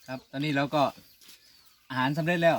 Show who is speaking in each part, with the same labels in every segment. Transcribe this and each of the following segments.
Speaker 1: ครับตอนนี้เราก็อาหารสำเร็จแล้ว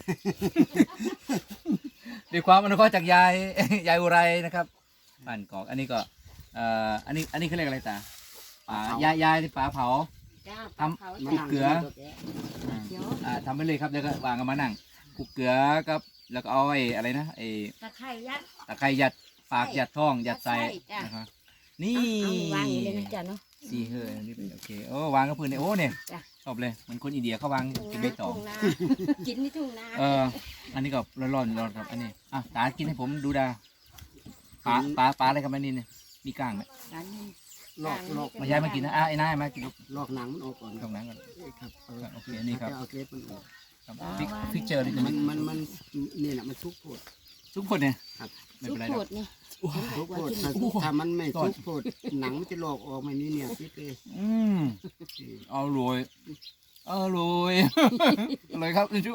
Speaker 1: ด้วยความอนุเคราะห์จากยาย ยายอุไรนะครับบ้านกอกอันนี้ก็อันนี้เขาเรียกอะไรตาป่ายายที่ป่าเผา ทำ
Speaker 2: มา
Speaker 1: คลุกเกลือ
Speaker 2: เดี๋ยว
Speaker 1: ทำไปเลยครับแล้วก็วางกันมานั่งคลุกเกลือกับแล้วก็เอาไอ้อะไรนะไอ้
Speaker 2: ตะไคร้ยัด
Speaker 1: ตะไคร้ยัดปากยัดท้องยัดใส่
Speaker 2: ใส่จ้ะ
Speaker 1: นะครับนี่
Speaker 2: เอาวางอย่างนี้เลยนะจ๊ะเนาะ
Speaker 1: สี่เฮ้ยนี่เป็นโอเคโอ้วางกับพื้นเนี่ยโอ้เนี่ย
Speaker 2: จ้ะ
Speaker 1: ชอบเลยเหมือนคนอินเดียเขาวางเป็นใบตอง
Speaker 2: ทุ่งนากินในทุ่งนา
Speaker 1: อันนี้ก็ร้อนครับอันนี้ตากินให้ผมดูดาปลาอะไรครับอันนี้เนี่ยมีก้างไหม
Speaker 2: อันนี้
Speaker 3: ลอก
Speaker 1: มาย้ายมากินนะไอ้นายมากินลูก
Speaker 3: ลอกหนังมันออกก่อน
Speaker 1: ตรงนั้นก่อน
Speaker 3: ครับ
Speaker 1: โอเคอันนี้ครับ
Speaker 3: เอาเกล็ดมันออก
Speaker 1: ครับฟิกเจอร์นี่จะ
Speaker 3: มันนี่แหละมันชุกโพด
Speaker 1: ทุกคนเนี่ย
Speaker 3: ครับ
Speaker 1: ไม่
Speaker 2: ซุ
Speaker 1: เป็
Speaker 2: ป
Speaker 1: นไรห
Speaker 2: โค
Speaker 1: รอก
Speaker 2: ตรนี่
Speaker 3: ชุกโพดถ้ามันไม่ชุกโพดหนังมันจะลอกออกไม่มีเนี่ยคิดเลย
Speaker 1: เอารวยอร่อย อร่อยครับคุณชู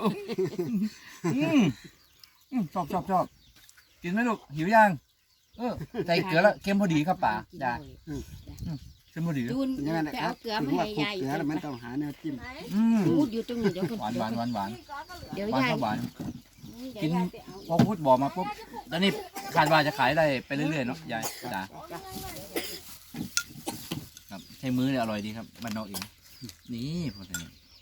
Speaker 1: ชอบกินไหมลูกหิวยังใส่เกลือแล้วเค็มพอดีครับป่าจ้าเค็มพอดี
Speaker 2: จูน
Speaker 3: อย่างนั้น
Speaker 2: ไป
Speaker 3: นะค
Speaker 2: เอา
Speaker 3: รับ
Speaker 2: เกลือ
Speaker 3: ถึ
Speaker 2: มาง
Speaker 3: ว่า
Speaker 2: ให้
Speaker 3: คลุก
Speaker 2: ยาย
Speaker 3: เกลือแล้วมันต้องหาแนวจิ้ม
Speaker 2: พูดอยู่ตรงนี้เดี๋ยวคน
Speaker 1: หวาน
Speaker 2: เดี๋ยว
Speaker 1: หวาน
Speaker 2: ยาย
Speaker 1: ครับหวาน
Speaker 2: เดี๋ยวยายไปเอา
Speaker 1: พอพูดบอกมาปุ๊บตอนนี้คาดว่าจะขายได้ไปเรื่อยๆเนาะยายจ้าครับใช้มือเนี่ยอร่อยดีครับบ้านนอกเองนี่พอดี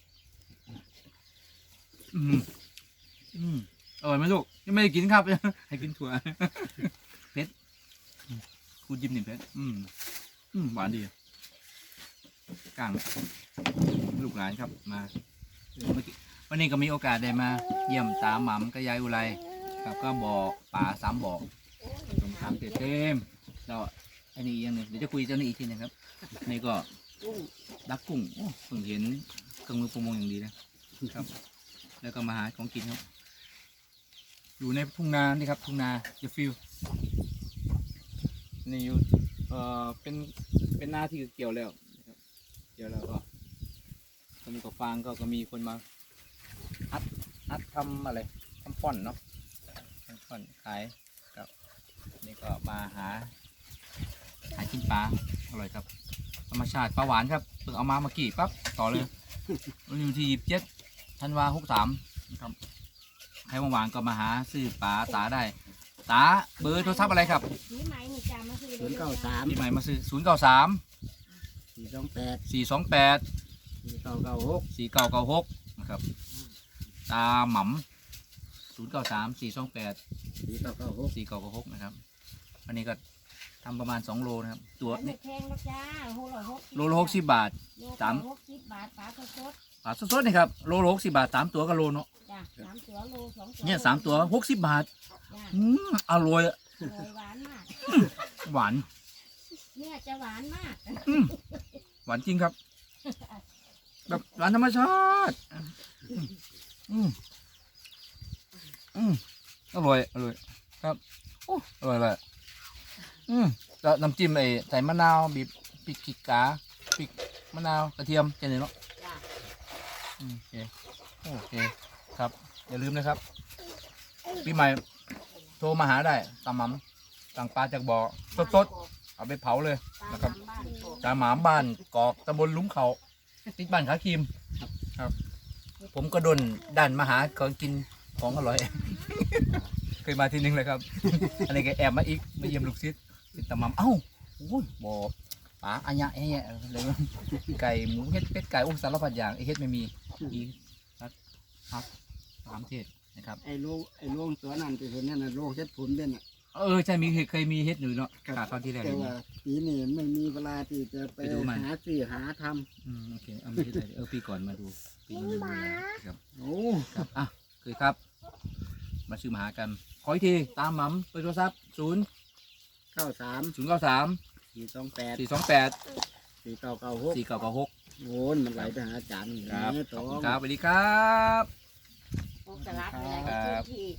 Speaker 1: อร่อยไหมลูกยังไม่ได้กินครับ ให้กินถั่วเผ็ดคุณยิ้มหนึ่งเผ็ดหวานดีกลางลูกหลานครับมาวันนี้ก็มีโอกาสได้มาเยี่ยมตาหม่ำกับยายอุไรครับก็บ่อป่า3 บ่อตรงทางเต็มแล้วอันนี้อีกอย่างหนึ่งเดี๋ยวจะคุยเจ้านี้อีกทีนะครับนี่ก็
Speaker 2: กุ้ง
Speaker 1: ดักกุ้งเพิ่งเห็นเครื่องมือประมงอย่างดีนะครับ แล้วก็มาหาของกินครับอยู่ในทุ่งนานี่ครับทุ่งนาเดฟิลนี่อยู่เป็นนาที่เกี่ยวแล้วนะครับเกี่ยวแล้วก็ตอนนี้ก็ฟางก็มีคนมาอัดทำอะไรทำฟ่อนเนาะทำฟ่อนขายครับนี่ก็มาหากินปลาอร่อยครับธรรมชาติปลาหวานครับเพิ่งเอามาเมื่อกี้ปั๊บต่อเลยวันนี้ที่27 ธันวา63นะครับใครว่างๆก็มาหาซื้อปลาตาได้ตาเบอร์โทรศัพท์อะไรครับ
Speaker 2: นี่ไหมนี่จ้ามาคือ
Speaker 3: 093
Speaker 1: ที่ใหม่มาซื้อ093
Speaker 3: 428
Speaker 1: 428
Speaker 3: 4996
Speaker 1: 4996นะครับตาหม่ำ093 428
Speaker 3: 4996
Speaker 1: 4996นะครับอันนี้ก็ทำประมาณ2 โลนะครับตัวนี้
Speaker 2: แพงแล้วจ้า
Speaker 1: โลละ60 บาท
Speaker 2: สาม60 บาทปลาสด
Speaker 1: ปลาสดๆนี่ครับโลละ60 บาท3 ตัวก็โลเนาะ
Speaker 2: จ้า3 ตัวโล2 ตัว
Speaker 1: เนี่ย3 ตัว60 บาท
Speaker 2: จ้า
Speaker 1: อร่อยอะ
Speaker 2: หวานมาก
Speaker 1: หวาน
Speaker 2: เนี่ยจะหวานมาก
Speaker 1: หวานจริงครับแบบหวานธรรมชาติอร่อยครับโอ้อร่อยเลยแล้วน้ำจิ้มใส่มะนาวบีบพริกขี้กาพริกมะนาวกระเทียมแค่นี้เนาะ
Speaker 2: จ้า
Speaker 1: โอเคครับอย่าลืมนะครับปีใหม่โทรมาหาได้ตามหม่ำสั่งปลาจากบ่อสดๆเอาไปเผาเลยนะครับตามหมาบ้านกอกตำบลลุ้มเขาติดบ้านขาครีมครับ ผมก็โดนดันมาหาของกินของอร่อย เคยมาทีนึงเลยครับ อันนี้ก็แอบมาอีกมาเยี่ยมลูกศิษย์ติดตามหม่ำเอ้าโอ้ยบ่อปลาอันยะแอะเลยไก่หมูเฮ็ดเป็ดไก่สารพัดอย่างเฮ็ดไม่มีอีกครับ3 เทศนะครับ
Speaker 3: ไอ้ลูกตัวนั้นไปเห็นนั่นน่ะลูกเฮ็ดผลเป็นน่ะ
Speaker 1: ใช่เคยมีเฮ็ดอยู่เนาะกาตอนที่แรก
Speaker 3: แต่ว่าปีนี้ไม่มีเวลาที่จะไปหาซื้อหาทำ
Speaker 1: โอเคเอาไม่ได้เลยปีก่อนมาดูปีนี้ไม่มีครับ
Speaker 3: โอ้
Speaker 1: ครับคือครับ มาซื้อมาหากันขออีกทีตามหม่ำเบอร์โทรศัพท์
Speaker 3: 93
Speaker 1: 093
Speaker 3: 428
Speaker 1: 428
Speaker 3: 4996
Speaker 1: 4996
Speaker 3: โอ้ยมันไหลไปหาอาจารย์
Speaker 1: ครับ
Speaker 3: นี่
Speaker 1: ข
Speaker 3: ต่
Speaker 1: อบ
Speaker 3: อ
Speaker 1: คุณครับสวัสดีครับ
Speaker 2: พวกสลัดอะไรก็ทุกที่